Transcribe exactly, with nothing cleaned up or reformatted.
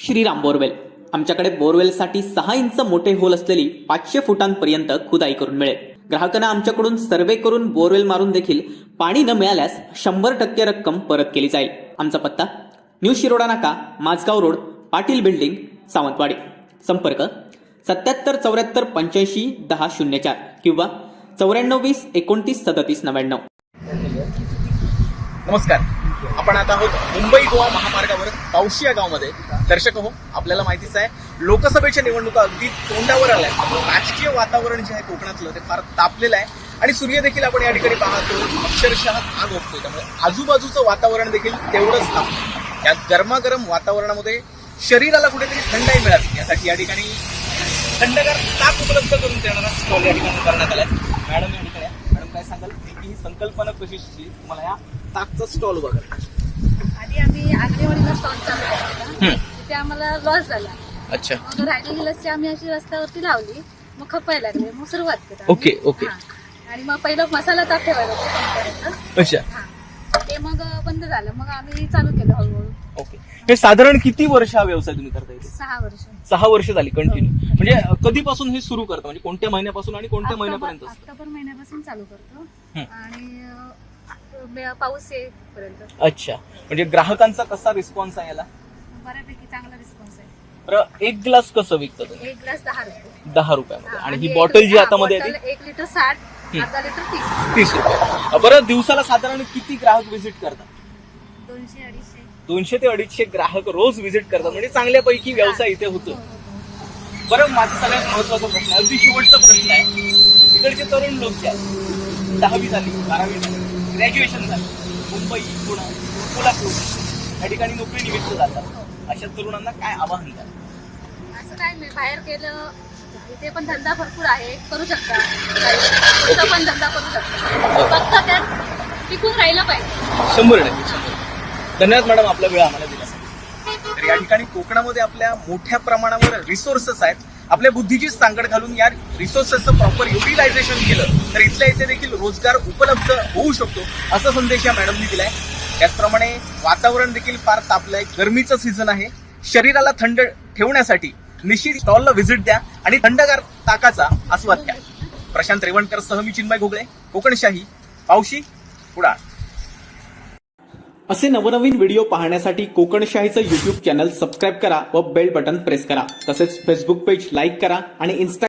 Shriram borewell. आमच्याकडे बोरवेलसाठी सहा inch मोठे होल असलेली पाचशे फुटांपर्यंत खुदाई करून मिळेल. ग्राहकांना आमच्याकडून सर्वे करून बोरवेल मारून देखील पाणी न मिळाल्यास शंभर टक्के रक्कम परत केली जाईल. आमचा पत्ता न्यू शिरोडा नाका, माझगाव रोड, पाटील बिल्डिंग, सावंतवाडी. संपर्क सत्याहत्तर चौऱ्याहत्तर पंच्याऐंशी दहा शून्य चार किंवा चौऱ्याण्णव वीस एकोणतीस सदतीस नव्याण्णव. नमस्कार. आपण आता आहोत मुंबई गोवा महामार्गावर पावशी या गावामध्ये. दर्शक हो, आपल्याला माहितीच आहे लोकसभेच्या निवडणुका अगदी तोंडावर आल्या. राजकीय वातावरण जे आहे कोकणातलं ते फार तापलेलं आहे आणि सूर्य देखील आपण या ठिकाणी पाहतो अक्षरशः आग ओढतोय. त्यामुळे आजूबाजूचं वातावरण देखील तेवढंच तापलं. या गरमागरम वातावरणामध्ये शरीराला कुठेतरी थंडाई मिळावी यासाठी या ठिकाणी थंडगार ताक उपलब्ध करून देणारा स्टॉल या ठिकाणी करण्यात आलाय. मॅडम या ठिकाणी मॅडम काय सांगाल की ही संकल्पना कशी सुचली तुम्हाला या ताकचा स्टॉल बघा? आधी आम्ही आग्नेवाडीला स्टॉल चालू केला, तिथे आम्हाला लॉस झाला. अच्छा. मग राहिलेली लस्सी आम्ही अशी रस्त्यावरती लावली, मग खपायला लागले, मग सुरुवात केली. Okay okay. आणि मग पहिलं मसाला ताक ठेवायला होतं कंपनीचं. अच्छा. ते मग बंद झालं, मग आम्ही चालू केलं हळूहळू. ओके. हे साधारण किती वर्ष हा व्यवसाय तुम्ही करता येते? सहा वर्ष. सहा वर्ष झाली कंटिन्यू. म्हणजे कधीपासून हे सुरू करता, म्हणजे कोणत्या महिन्यापासून आणि कोणत्या महिन्यापर्यंत असतं? ऑक्टोबर महिन्यापासून चालू करतो आणि अं, पाऊस येईपर्यंत. अच्छा. म्हणजे ग्राहकांचा कसा रिस्पॉन्स आहे याला? बऱ्यापैकी चांगला रिस्पॉन्स आहे. बरं, एक ग्लास कसं विकता तुम्ही? एक ग्लास दहा रुपये. दहा रुपयामध्ये. हा, आणि ही एक- बॉटल जी हा, हातामध्ये बॉटल येते एक लिटर साठ, अर्धा लिटर तीस. तीस रुपये. बरं, दिवसाला साधारण किती ग्राहक व्हिजिट करतात? दोनशे अडीचशे. दोनशे ते अडीचशे ग्राहक रोज व्हिजिट करतात. म्हणजे चांगल्यापैकी व्यवसाय इथे होतो. बरं, माझा सगळ्यात महत्वाचा प्रश्न आहे, अगदी शेवटचा प्रश्न आहे. इकडचे तरुण लोक जे आहेत, दहावी झाली, बारावी झाली, ग्रॅज्युएशन झालं, मुंबई, पुणे, कोल्हापूर या ठिकाणी नोकरी निमित्त जातात, अशा तरुणांना काय आवाहन द्याल? असं काय नाही, बाहेर केलं इथे पण धंदा भरपूर आहे, करू शकता. इथं पण धंदा करू शकता, फक्त त्यात टिकून राहिलं पाहिजे. शंभर टक्के शंभर. धन्यवाद मॅडम, आपला वेळ आम्हाला दिल्यासाठी. तर या ठिकाणी कोकणामध्ये आपल्या मोठ्या प्रमाणावर रिसोर्सेस आहेत. आपल्या बुद्धीची सांगड घालून या रिसोर्सेसचं प्रॉपर युटिलायझेशन केलं तर इथल्या इथे देखील रोजगार उपलब्ध होऊ शकतो, असा संदेश या मॅडमनी दिलाय. त्याचप्रमाणे वातावरण देखील फार तापलंय, गरमीचं सीझन आहे. शरीराला थंड ठेवण्यासाठी निश्चित स्टॉलला व्हिजिट द्या आणि थंडगार ताकाचा आस्वाद घ्या. प्रशांत रेवणकर सह मी चिन्मय घोगळे, कोकणशाही, पावशी, कुडाळ. असे नवनवीन व्हिडिओ पाहण्यासाठी कोकणशाहीचं युट्यूब चॅनल सबस्क्राईब करा व बेल बटन प्रेस करा. तसेच फेसबुक पेज लाईक करा आणि इन्स्टा